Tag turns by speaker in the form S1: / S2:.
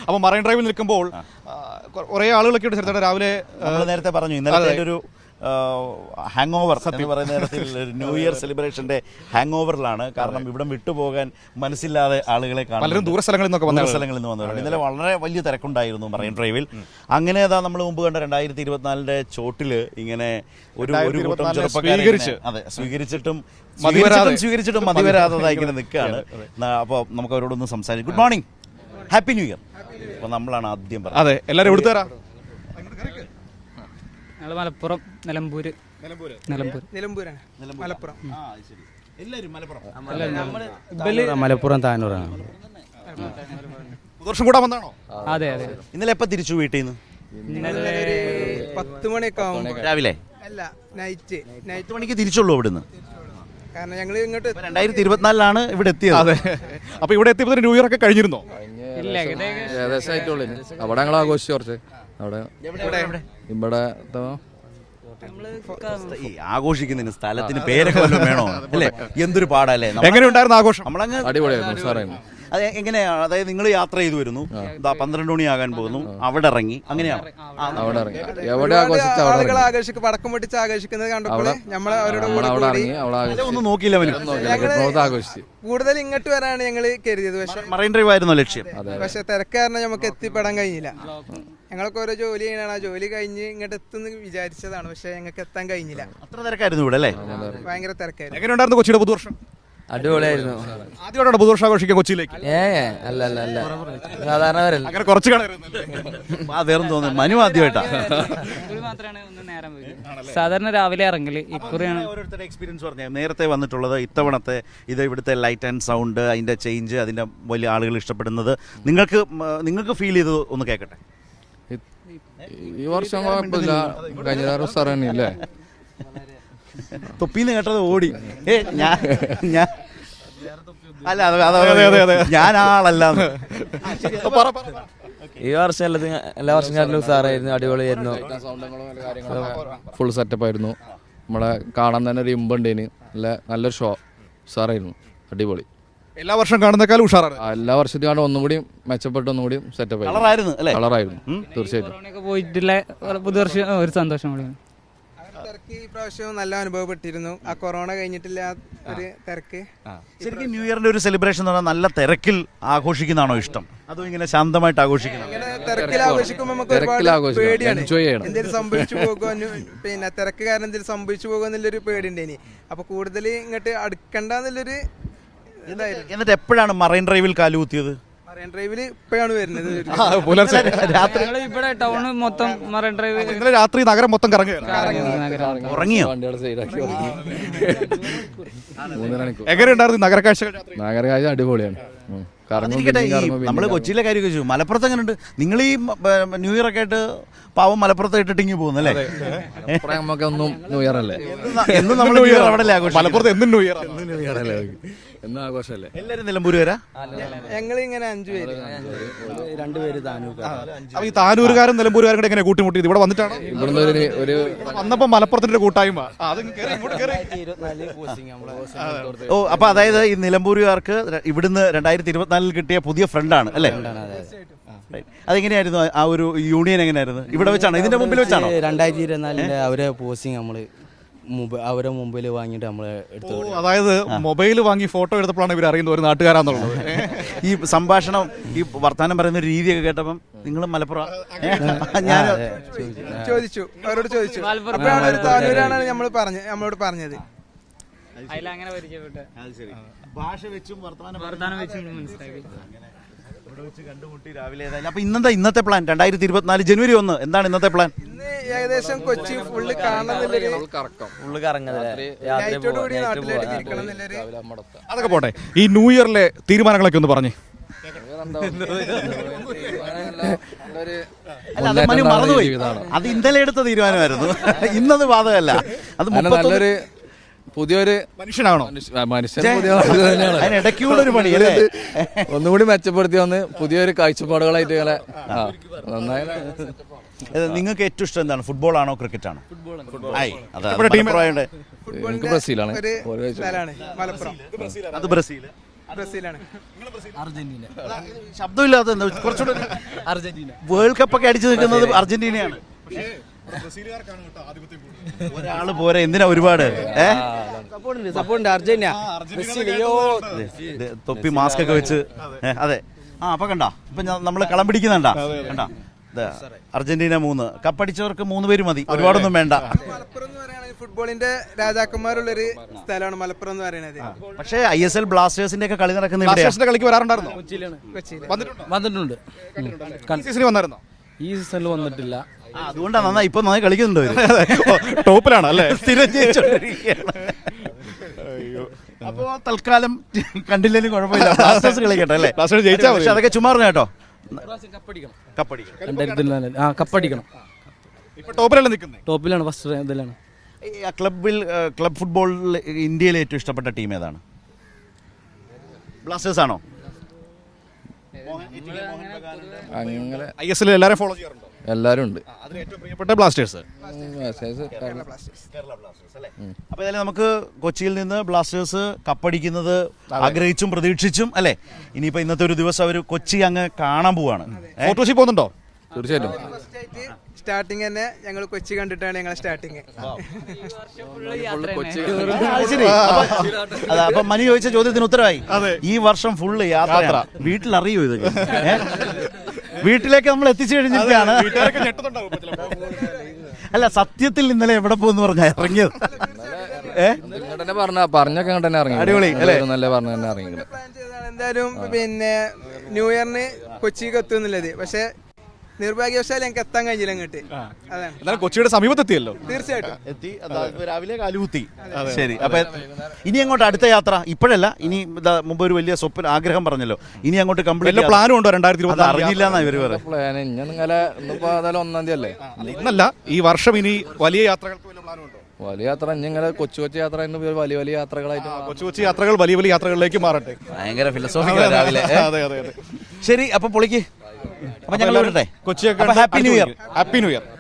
S1: അപ്പോൾ മറൈൻ ഡ്രൈവിൽ നിൽക്കുമ്പോൾ കുറേ ആളുകളൊക്കെ ഉണ്ട് ചേട്ടാ. രാവിലെ
S2: നേരത്തെ പറഞ്ഞു ഇന്നലെ ഒരു ഹാങ് ഓവർ എന്ന് പറയുന്ന തരത്തിൽ ന്യൂ ഇയർ സെലിബ്രേഷന്റെ ഹാങ് ഓവറിലാണ്. കാരണം ഇവിടം വിട്ടുപോകാൻ മനസ്സില്ലാതെ ആളുകളെ കാണും.
S1: പലരും ദൂര സ്ഥലങ്ങളിൽ നിന്ന്
S2: വന്നവരുണ്ട്. ഇന്നലെ വളരെ വലിയ തിരക്കുണ്ടായിരുന്നു മറൈൻ ഡ്രൈവിൽ. അങ്ങനെ നമ്മൾ മുമ്പ് കണ്ട 2024 ചോട്ടില് ഇങ്ങനെ ഒരു കൂട്ടം ചെറുപ്പക്കാരെ സ്വീകരിച്ചിട്ടും മതിവരാതെ ഇങ്ങനെ നിൽക്കുകയാണ്. അപ്പോൾ നമുക്ക് അവരോടൊന്ന് സംസാരിക്കും. Good morning, happy new year. അപ്പോൾ നമ്മളാണ് ആദ്യം പറഞ്ഞത്.
S1: അതെ, എല്ലാവരും എടുത്തുതരാം.
S3: മലപ്പുറം, നിലമ്പൂരാണ്. മലപ്പുറം,
S4: മലപ്പുറം താനൂറാണ്.
S1: പുതുവർഷം കൂടാൻ വന്നാണോ?
S3: അതെ അതെ.
S2: ഇന്നലെ എപ്പോൾ തിരിച്ചു വീട്ടിൽ നിന്ന്?
S3: ഇന്നലെ
S5: 10 മണിയൊക്കെ ആവുമ്പോൾ.
S2: രാവിലെ
S5: അല്ല, നൈറ്റ്
S2: 8 മണിക്ക് തിരിച്ചുള്ളൂ ഇവിടുന്ന്.
S5: കാരണം ഞങ്ങൾ ഇങ്ങോട്ട്
S2: 2024 ഇവിടെ എത്തിയത്.
S1: അതെ. അപ്പോൾ ഇവിടെ എത്തിയപ്പോൾ ന്യൂ ഇയർ ഒക്കെ കഴിഞ്ഞിരുന്നോ?
S3: ഇല്ല,
S4: ഏകദേശം ആയിട്ടുള്ളൂ. അവിടെ ഞങ്ങൾ ആഘോഷിച്ചു കുറച്ച്. അവിടെ ഇവിടെ
S2: ആഘോഷിക്കുന്നതിന് സ്ഥലത്തിന് പേരൊക്കെ വല്ലതും വേണോ? അല്ലേ, എന്തൊരു പാടല്ലേ.
S1: എങ്ങനെയുണ്ടായിരുന്നു ആഘോഷം?
S2: നമ്മളങ്ങ്
S4: അടിപൊളിയായിരുന്നു, സാറായിരുന്നു.
S2: അത് എങ്ങനെയാണ്? അതായത് നിങ്ങൾ യാത്ര ചെയ്തു വരുന്നു, 12 മണിയാകാൻ പോകുന്നു, അവിടെ ഇറങ്ങി, അങ്ങനെയാണ്
S4: അവിടെ ഇറങ്ങി. എവിടെ ആഘോഷിച്ചു?
S5: ആളുകൾ ആഘോഷിക്കും, പടക്കം പൊട്ടിച്ച് ആഘോഷിക്കുന്നത് കണ്ടപ്പോൾ നമ്മൾ അവരുടെ
S2: ഒന്നും നോക്കിയില്ല.
S4: ആഘോഷിച്ചു.
S5: കൂടുതൽ ഇങ്ങോട്ട് വരാനാണ് ഞങ്ങൾ കരുതിയത്. പക്ഷെ
S2: മറൈൻ ഡ്രൈവ് ആയിരുന്നു ലക്ഷ്യം.
S5: പക്ഷെ തിരക്കാരണം നമുക്ക് എത്തിപ്പെടാൻ കഴിഞ്ഞില്ല. ഞങ്ങൾക്ക് ഓരോ ജോലി ചെയ്യണം. ആ ജോലി കഴിഞ്ഞ് ഇങ്ങോട്ട് എത്തുന്ന വിചാരിച്ചതാണ്, പക്ഷെ ഞങ്ങൾക്ക് എത്താൻ കഴിഞ്ഞില്ല.
S2: അത്ര തിരക്കായിരുന്നു ഇവിടെ അല്ലേ?
S5: ഭയങ്കര തിരക്കായിരുന്നു.
S1: എങ്ങനെയുണ്ടായിരുന്നു കൊച്ചിയുടെ പുതുവർഷം?
S4: അടിപൊളിയായിരുന്നു.
S1: ആദ്യമായിട്ടാണ് പുതുവർഷം ആഘോഷിക്കാൻ കൊച്ചിയിലേക്ക്?
S4: അല്ല സാധാരണ വരല്ല.
S1: അങ്ങനെ കുറച്ച്
S2: വേറെ തോന്നുന്നു. മനു ആദ്യമായിട്ടാ.
S3: സാധാരണ രാവിലെ ഇറങ്ങല്. ഇക്കുറിയാണ്
S2: ഓരോരുത്തരുടെ എക്സ്പീരിയൻസ് പറഞ്ഞത്. നേരത്തെ വന്നിട്ടുള്ളത് ഇത്തവണത്തെ ഇത് ഇവിടുത്തെ ലൈറ്റ് ആൻഡ് സൗണ്ട്, അതിന്റെ ചേഞ്ച്, അതിന്റെ വലിയ ആളുകൾ ഇഷ്ടപ്പെടുന്നത് നിങ്ങൾക്ക് ഫീൽ ചെയ്ത് ഒന്ന് കേൾക്കട്ടെ.
S4: ഈ വർഷം കുഴപ്പമില്ല, കഴിഞ്ഞ സാറല്ലേ.
S2: തൊപ്പിന്ന് കേട്ടത് ഓടി. ഞാൻ ആളല്ല.
S4: ഈ വർഷം എല്ലാ വർഷം സാറായിരുന്നു, അടിപൊളിയായിരുന്നു. ഫുൾ സെറ്റപ്പ് ആയിരുന്നു. നമ്മളെ കാണാൻ തന്നെ ഒരു ഇമ്പുണ്ടേന്. നല്ലൊരു ഷോ, സാറായിരുന്നു, അടിപൊളി.
S1: എല്ലാ വർഷം കാണുന്നേക്കാളും ഉഷാറാണ്.
S4: എല്ലാ വർഷത്തിൽ കാണാൻ ഒന്നുകൂടി മെച്ചപ്പെട്ട് ഒന്നുകൂടി സെറ്റപ്പ്
S2: കളറായിരുന്നു.
S4: തീർച്ചയായിട്ടും
S3: പോയിട്ടുള്ള പുതുവർഷം ഒരു സന്തോഷം.
S5: തിരക്ക് ഈ പ്രാവശ്യം നല്ല അനുഭവപ്പെട്ടിരുന്നു. ആ കൊറോണ കഴിഞ്ഞിട്ടില്ല ഒരു തിരക്ക്.
S2: ശരിക്കും ന്യൂ ഇയറിന്റെ ഒരു സെലിബ്രേഷൻ എന്ന് പറഞ്ഞാൽ നല്ല തിരക്കിൽ ആഘോഷിക്കുന്നതാണോ ഇഷ്ടം, അതോ ഇങ്ങനെ ശാന്തമായിട്ട് ആഘോഷിക്കുന്നത്?
S5: തിരക്കിൽ ആഘോഷിക്കുമ്പോൾ നമുക്ക് ഒരുപാട് പേടിയാണ്, എന്തെങ്കിലും സംഭവിച്ചു പോകുമോ, പിന്നെ തിരക്ക് കാരണം എന്തെങ്കിലും സംഭവിച്ചു പോകുമോ എന്നുള്ളൊരു പേടിയുണ്ടേനി. അപ്പൊ കൂടുതൽ ഇങ്ങോട്ട് അടുക്കണ്ടെന്നുള്ളൊരു ഇതായിരുന്നു.
S2: എന്നിട്ട് എപ്പോഴാണ് മറൈൻ ഡ്രൈവിൽ കാലുകുത്തിയത്?
S5: മറൈൻ ഡ്രൈവില് ഇപ്പോഴാണ് വരുന്നത്.
S2: രാത്രി
S3: ഇവിടെ ടൗൺ മൊത്തം മറൈൻ ഡ്രൈവ്.
S1: ഇന്നലെ രാത്രി നഗരം മൊത്തം കറങ്ങുകയാണ്.
S2: ഉറങ്ങിയോ?
S1: എങ്ങനെയുണ്ടായിരുന്നു നഗരക്കാഴ്ചകൾ?
S4: നഗരക്കാഴ്ച അടിപൊളിയാണ്.
S2: നമ്മള് കൊച്ചിയിലെ കാര്യം ചോദിച്ചു, മലപ്പുറത്ത് എങ്ങനെയുണ്ട്? നിങ്ങൾ ഈ ന്യൂ ഇയർ ഒക്കെ ആയിട്ട് പാവം മലപ്പുറത്ത് ഇട്ടിട്ടിങ്ങി പോകുന്നല്ലേ?
S4: നമുക്കൊന്നും ന്യൂ ഇയർ അല്ലേ,
S2: എന്നും നമ്മൾ ന്യൂ ഇയർ അവിടെ ആഘോഷം.
S1: മലപ്പുറത്ത് എന്നും ന്യൂ ഇയർ
S4: അല്ലേ, എന്നും ആഘോഷമല്ലേ.
S2: എല്ലാവരും നിലമ്പൂര് വരാ?
S5: ഞങ്ങൾ ഇങ്ങനെ 5 പേര്,
S4: 2 പേര് താനൂർ.
S1: ഈ താനൂരുകാരും നിലമ്പൂരുകാരും കൂടെ എങ്ങനെ കൂട്ടിമുട്ടിയത്? ഇവിടെ വന്നിട്ടാണ്?
S4: ഇവിടുന്ന് ഒരു
S1: വന്നപ്പോ മലപ്പുറത്തിന്റെ കൂട്ടായ്മ.
S2: ഓ, അപ്പൊ അതായത് ഈ നിലമ്പൂരുകാർക്ക് ഇവിടുന്ന് 2024 കിട്ടിയ പുതിയ ഫ്രണ്ടാണ് അല്ലേ? അതെങ്ങനെയായിരുന്നു ആ ഒരു യൂണിയൻ? എങ്ങനെയായിരുന്നു? ഇവിടെ വെച്ചാണോ, ഇതിന്റെ മുമ്പിൽ വെച്ചാണോ?
S4: 2024 അവരെ പോസ്റ്റിംഗ് നമ്മള് അവരെ മൊബൈൽ വാങ്ങിയിട്ട് നമ്മള് എടുത്തു.
S1: അതായത് മൊബൈൽ വാങ്ങി ഫോട്ടോ എടുത്തപ്പോഴാണ് ഇവർ അറിയുന്നത് ഒരു നാട്ടുകാരാന്നുള്ളത്.
S2: ഈ സംഭാഷണം, ഈ വർത്താനം പറയുന്ന രീതിയൊക്കെ കേട്ടപ്പം നിങ്ങൾ മലപ്പുറം ഞാൻ
S5: ചോദിച്ചു, അവരോട് ചോദിച്ചു. അപ്പോഴാണ് താനൂരാണ് നമ്മളോട് പറഞ്ഞത്.
S3: അതിലങ്ങനെ പരിചയപ്പെട്ടു.
S2: ഭാഷ വെച്ചും
S3: വർത്താനം വെച്ചും മനസ്സിലാക്കി.
S2: ഇവിടെ വെച്ച് കണ്ടുമുട്ടി രാവിലെ. അപ്പൊ ഇന്നത്തെ പ്ലാൻ 2024 ജനുവരി 1 എന്താണ് ഇന്നത്തെ പ്ലാൻ?
S5: ഇന്ന് ഏകദേശം കൊച്ചി ഫുള്ള് കാണുന്നില്ലൊരു
S1: അതൊക്കെ പോട്ടെ. ഈ ന്യൂ ഇയറിലെ തീരുമാനങ്ങളൊക്കെ ഒന്ന് പറഞ്ഞേ.
S2: മറന്നുപോയി. അത് ഇന്നലെ എടുത്ത തീരുമാനമായിരുന്നു, ഇന്നത് ബാധകമല്ല. അത് നല്ലൊരു
S4: പുതിയൊരു
S1: മനുഷ്യനാണോ?
S4: മനുഷ്യൻ
S2: ഇടയ്ക്കുള്ളൊരു പണി
S4: ഒന്നുകൂടി മെച്ചപ്പെടുത്തി വന്ന് പുതിയൊരു കാഴ്ചപ്പാടുകളായിട്ട് ഇങ്ങനെ നന്നായി.
S2: നിങ്ങൾക്ക് ഏറ്റവും ഇഷ്ടം എന്താണ്? ഫുട്ബോൾ ആണോ ക്രിക്കറ്റ് ആണോ?
S4: എനിക്ക് ബ്രസീലാണ്.
S2: അത് ബ്രസീൽ.
S5: ബ്രസീലാണ്.
S6: അർജന്റീന.
S2: ശബ്ദമില്ലാത്ത എന്താ കുറച്ചുകൂടെ
S6: അർജന്റീന.
S2: വേൾഡ് കപ്പ് ഒക്കെ അടിച്ചു നിൽക്കുന്നത് അർജന്റീനയാണ്. ഒരാള് പോരെ, എന്തിനാ ഒരുപാട്
S6: സപ്പോർട്ടുണ്ട് അർജന്റീന.
S2: തൊപ്പി മാസ്ക് ഒക്കെ വെച്ച് അതെ. അപ്പൊ കണ്ടാ ഇപ്പൊ നമ്മള് കളം പിടിക്കുന്നുണ്ടാ കണ്ടാ. അർജന്റീന 3 കപ്പടിച്ചവർക്ക് 3 പേര് മതി, ഒരുപാടൊന്നും വേണ്ട.
S5: മലപ്പുറം എന്ന് പറയുന്നത് ഫുട്ബോളിന്റെ രാജാക്കന്മാരുള്ളൊരു സ്ഥലമാണ് മലപ്പുറം എന്ന് പറയുന്നത്.
S2: പക്ഷേ ISL ബ്ലാസ്റ്റേഴ്സിന്റെ ഒക്കെ കളി നടക്കുന്ന ഇവിടെയാ.
S1: ബ്ലാസ്റ്റേഴ്സിന്റെ കളിക്ക് വരാറുണ്ടായിരുന്നോ?
S5: കൊച്ചിയിൽ
S6: വന്നിട്ടുണ്ട്.
S1: ഈ സീസണിൽ വന്നായിരുന്നോ?
S6: ഈ സീസണിൽ വന്നിട്ടില്ല.
S2: അതുകൊണ്ടാ നന്നായി ഇപ്പൊ നന്നായി കളിക്കുന്നുണ്ടോ
S1: ടോപ്പിലാണ് അല്ലേ?
S2: സ്ഥിരം ജയിച്ചോണ്ടിരിക്കുകയാണ്. അപ്പൊ തൽക്കാലം കണ്ടില്ലേലും കുഴപ്പമില്ല, ബ്ലാസ്റ്റേഴ്സ് കളിക്കട്ടെ അല്ലേ?
S1: ബ്ലാസ്റ്റേഴ്സ് ജയിച്ചാൽ മതി.
S2: പക്ഷെ അതൊക്കെ ചുമ്മാറിഞ്ഞ കേട്ടോ.
S6: കപ്പടിക്കണം.
S2: കപ്പടിക്കണം.
S6: 2024 കപ്പടിക്കണം.
S1: ഇപ്പൊ ടോപ്പിലല്ലേ നിൽക്കുന്നത്?
S6: ടോപ്പിലാണ്, ഫസ്റ്റ് ഇതിലാണ്.
S2: ക്ലബ് ഫുട്ബോളിൽ ഇന്ത്യയിലെ ഏറ്റവും ഇഷ്ടപ്പെട്ട ടീം ഏതാണ്? ബ്ലാസ്റ്റേഴ്സ് ആണോ?
S4: അങ്ങനെ
S1: ISL എല്ലാവരും ഫോളോ ചെയ്യാറുണ്ടോ?
S4: എല്ലാവരും ഉണ്ട്.
S1: അതിൽ ഏറ്റവും പ്രിയപ്പെട്ട ബ്ലാസ്റ്റേഴ്സ്.
S2: അപ്പൊ ഏതായാലും നമുക്ക് കൊച്ചിയിൽ നിന്ന് ബ്ലാസ്റ്റേഴ്സ് കപ്പടിക്കുന്നത് ആഗ്രഹിച്ചും പ്രതീക്ഷിച്ചും അല്ലേ. ഇനിയിപ്പോ ഇന്നത്തെ ഒരു ദിവസം അവർ കൊച്ചി അങ്ങ് കാണാൻ പോവാണ്.
S1: ഫോട്ടോഷി പോകുന്നുണ്ടോ?
S4: തീർച്ചയായിട്ടും.
S5: സ്റ്റാർട്ടിങ് തന്നെ ഞങ്ങൾ കൊച്ചി കണ്ടിട്ടാണ് ഞങ്ങൾ സ്റ്റാർട്ടിങ്.
S2: അപ്പൊ മനു ചോദിച്ച ചോദ്യത്തിന് ഉത്തരവായി. ഈ വർഷം ഫുള്ള് യാത്ര. വീട്ടിലറിയോ ഇതൊക്കെ? വീട്ടിലേക്ക് നമ്മൾ എത്തിച്ചു കഴിഞ്ഞിട്ടാണ്. അല്ല സത്യത്തിൽ ഇന്നലെ എവിടെ പോകുന്നു പറഞ്ഞാ ഇറങ്ങിയത്?
S4: പറഞ്ഞൊക്കെ ഇങ്ങോട്ട് തന്നെ ഇറങ്ങി.
S2: അടിപൊളി അല്ലേ?
S4: നല്ല പറഞ്ഞ തന്നെ ഇറങ്ങി.
S5: പ്ലാൻ ചെയ്തതാണ് എന്തായാലും പിന്നെ ന്യൂ ഇയറിന് കൊച്ചിക്ക് എത്തുന്നുള്ളത്. പക്ഷെ നിർഭാഗ്യവശാൽ ഞങ്ങൾക്ക് എത്താൻ കഴിഞ്ഞില്ല അങ്ങോട്ട്. അതാണ്.
S1: എന്നാലും കൊച്ചിയുടെ സമീപത്തെത്തിയല്ലോ.
S5: തീർച്ചയായിട്ടും
S2: എത്തി. രാവിലെ കാലുകുത്തി. ശരി. അപ്പൊ ഇനി അങ്ങോട്ട് അടുത്ത യാത്ര ഇപ്പോഴല്ല, ഇനി മുമ്പ് ഒരു വലിയ സ്വപ്ന ആഗ്രഹം പറഞ്ഞല്ലോ, ഇനി അങ്ങോട്ട് കംപ്ലീറ്റ്
S1: പ്ലാനും ഉണ്ടോ? 2024
S2: അറിഞ്ഞില്ല എന്നാ ഇവര് പറയാം.
S4: പ്ലാൻ ഇന്നലെ 1 അല്ലേ?
S1: ഇന്നല്ല, ഈ വർഷം ഇനി വലിയ യാത്രകൾക്ക് വല്ല പ്ലാനും ഉണ്ടോ?
S4: വലിയ യാത്ര ഇങ്ങനെ കൊച്ചു കൊച്ചു യാത്ര വലിയ വലിയ യാത്രകളായിട്ട്
S1: കൊച്ചു കൊച്ചു യാത്രകൾ വലിയ വലിയ യാത്രകളിലേക്ക് മാറട്ടെ.
S2: ഭയങ്കര ഫിലോസോഫിക്കൽ രാവിലെ.
S1: അതെ അതെ അതെ.
S2: ശരി, അപ്പൊ പൊളിക്ക്. അപ്പൊ ഞങ്ങൾ
S1: കൊച്ചിയൊക്കെ happy new year. Happy new year.